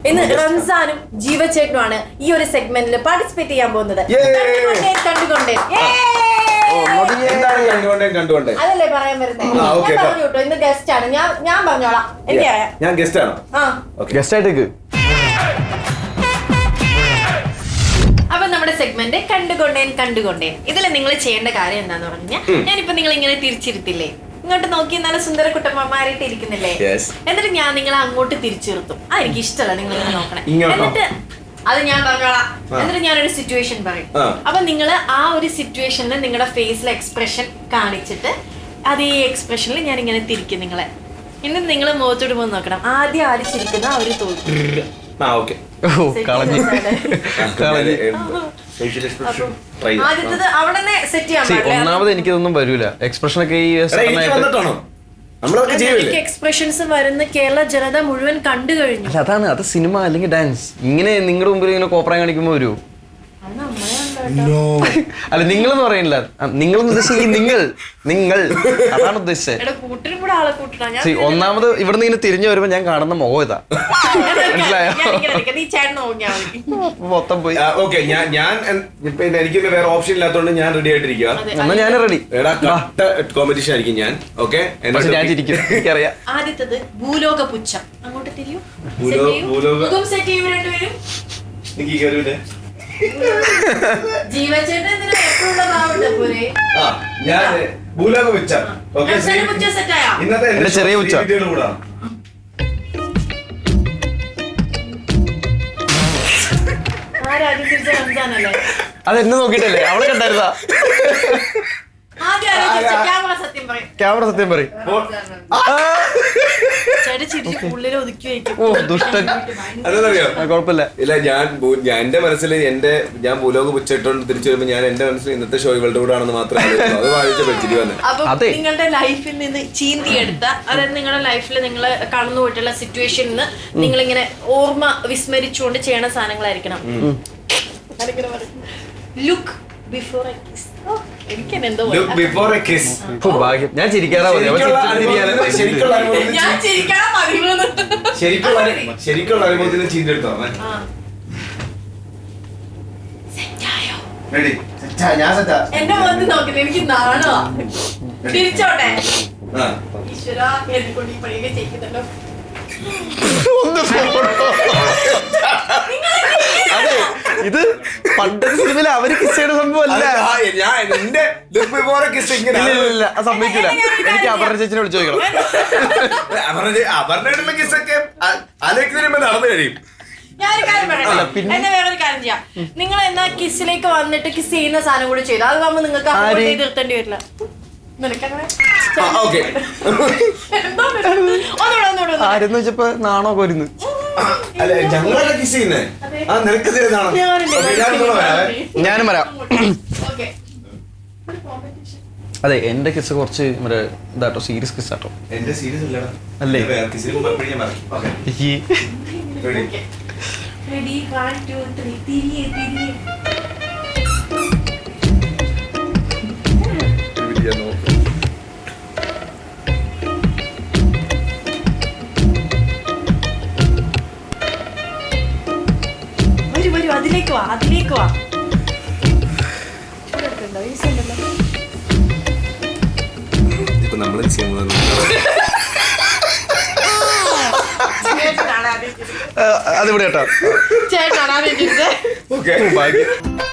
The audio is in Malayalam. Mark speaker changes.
Speaker 1: ഇന്ന് റംസാനും ജീവചേട്ടനുമാണ് ഈ ഒരു സെഗ്മെന്റിൽ പാർട്ടിസിപ്പേറ്റ് ചെയ്യാൻ പോകുന്നത്. അതല്ലേ പറയാൻ വരുന്നത്. ഞാൻ പറഞ്ഞു കേട്ടോ, ഇന്ന് ഗസ്റ്റ് ആണ്. ഞാൻ പറഞ്ഞോളാം. എനിക്കറിയാം,
Speaker 2: ഞാൻ ഗസ്റ്റ് ആണോ?
Speaker 3: ഗസ്റ്റ് ആയിട്ട്.
Speaker 1: അപ്പൊ നമ്മുടെ സെഗ്മെന്റ് കണ്ടുകൊണ്ടേൻ. ഇതിൽ നിങ്ങൾ ചെയ്യേണ്ട കാര്യം എന്താന്ന് പറഞ്ഞാൽ, ഞാനിപ്പോ നിങ്ങൾ ഇങ്ങനെ തിരിച്ചിരുത്തില്ലേ, ഇങ്ങോട്ട് നോക്കി നല്ല സുന്ദര കുട്ടമ്മമാരായിട്ട് ഇരിക്കുന്നില്ലേ, എന്നിട്ട് ഞാൻ നിങ്ങളെ അങ്ങോട്ട് തിരിച്ചിരുത്തും. എനിക്ക് ഇഷ്ടമല്ല നിങ്ങൾ ഇങ്ങനെ നോക്കണേ. എന്നിട്ട് അത് ഞാൻ പറഞ്ഞോളാം. എന്നിട്ട് ഞാനൊരു സിറ്റുവേഷൻ പറയും. അപ്പൊ നിങ്ങൾ ആ ഒരു സിറ്റുവേഷനിൽ നിങ്ങളുടെ ഫേസിലെ എക്സ്പ്രഷൻ കാണിച്ചിട്ട് അതേ എക്സ്പ്രഷനിൽ ഞാൻ ഇങ്ങനെ തിരിക്കും നിങ്ങളെ. എന്നിട്ട് നിങ്ങൾ മുഖത്തോട് പോയി നോക്കണം. ആദ്യം ആര് ചിരിക്കുന്ന അവര് തോന്നും.
Speaker 3: ഒന്നാമത് എനിക്കിതൊന്നും വരൂല. എക്സ്പ്രഷൻ ഒക്കെ
Speaker 1: എക്സ്പ്രഷൻസ് വരുന്ന കേരള ജനത മുഴുവൻ കണ്ടു കഴിഞ്ഞു.
Speaker 3: അതാണ്, അത് സിനിമ അല്ലെങ്കിൽ ഡാൻസ്. ഇങ്ങനെ നിങ്ങളുടെ മുമ്പിൽ ഇങ്ങനെ കോപ്രായം കാണിക്കുമ്പോ വരൂ. അല്ല, നിങ്ങളെന്ന് പറയില്ല, നിങ്ങളെന്ന് ഉദ്ദേശിച്ചത് നിങ്ങൾ അതാണ് ഉദ്ദേശിച്ചത്. ഒന്നാമത് ഇവിടുന്ന് ഇങ്ങനെ തിരിഞ്ഞു വരുമ്പോ ഞാൻ കാണുന്ന മുഖം ഇതാ. മനസ്സിലായോ? മൊത്തം പോയി.
Speaker 2: എനിക്ക് വേറെ ഓപ്ഷൻ ഇല്ലാത്തതുകൊണ്ട് ഞാൻ റെഡി ആയിട്ടിരിക്കുക.
Speaker 3: എന്നാ ഞാൻ റെഡി.
Speaker 2: കോമ്പറ്റീഷൻ ആയിരിക്കും ഞാൻ. ഓക്കെ,
Speaker 3: ഞാൻ ചിരിക്കും, എനിക്കറിയാം.
Speaker 1: ആദ്യത്തത് ഭൂലോക പുച്ഛം. അങ്ങോട്ട് തിരിയൂ.
Speaker 3: ഇന്നത്തെ ചെറിയ ഉച്ച. അതെന്നെ നോക്കിട്ടല്ലേ അവളെ കണ്ടായിരുന്നാ? ക്യാമറ സത്യം പറയും. കുഴപ്പമില്ല.
Speaker 2: ഇല്ല, എന്റെ മനസ്സിൽ ഞാൻ ഭൂലോക പുച്ചിട്ടോണ്ട് തിരിച്ചു വരുമ്പോ ഞാൻ എന്റെ മനസ്സിൽ ഇന്നത്തെ ഷോ ഇവളുടെ കൂടെ ആണെന്ന് മാത്രമേ അത് വായിച്ച പറ്റിരി വന്നെ.
Speaker 1: നിങ്ങളുടെ ലൈഫിൽ നിന്ന് ചീന്തിയെടുത്ത, അതായത് നിങ്ങളുടെ ലൈഫിൽ നിങ്ങൾ കടന്നു പോയിട്ടുള്ള സിറ്റുവേഷനിൽ നിങ്ങളിങ്ങനെ ഓർമ്മ വിസ്മരിച്ചുകൊണ്ട് ചെയ്യണ സാധനങ്ങളായിരിക്കണം. Look before a kiss.
Speaker 3: ഞാൻ ചിരിക്കാറാ
Speaker 2: ശരിക്കുള്ള അനുഭവത്തിന് ചീന്തെടുത്തോ?
Speaker 1: എന്റെ മുഖത്ത് നോക്കില്ല, എനിക്ക് നാണോ. തിരിച്ചോട്ടെ. ഈശ്വര, എന്നെക്കൊണ്ട് ഈ പണിയൊക്കെ ചെയ്യിക്കുന്നല്ലോ.
Speaker 3: അതെ, ഇത് പണ്ടത്തെ സിനിമയിൽ അവര് കിസ് ചെയ്യുന്ന സംഭവമല്ല. സംഭവിക്കില്ല. എനിക്ക് അപർണ ചേച്ചിനെ വിളിച്ചു ചോദിക്കണം.
Speaker 2: അപർണയായിട്ടുള്ള കിസ്സൊക്കെ ആലോചിക്കുന്നതിന് നടന്നു കഴിയും.
Speaker 1: ഞാനൊരു കാര്യം പറയട്ടെ, എന്നെ വേറൊരു കാര്യം ചെയ്യാം. നിങ്ങൾ എന്നാ കിസ്സിലേക്ക് വന്നിട്ട് കിസ് ചെയ്യുന്ന സാധനം കൂടി ചെയ്തു, അത് ആകുമ്പോ നിങ്ങൾക്ക് നിർത്തേണ്ടി വരില്ല.
Speaker 3: ആരെന്ന് വെച്ചപ്പോ നാണോ കൊരുന്ന്. ഞാനും വരാം. അതെ, എന്റെ കിസ് കുറച്ച് ഇതാട്ടോ, സീരിയസ് കിസ് ആട്ടോ. അല്ലേ?
Speaker 1: അതിലേക്ക് വാ.
Speaker 2: ഇപ്പൊ നമ്മള്
Speaker 3: അതിവിടെ കേട്ടോ.
Speaker 1: ചേട്ടനാണ്.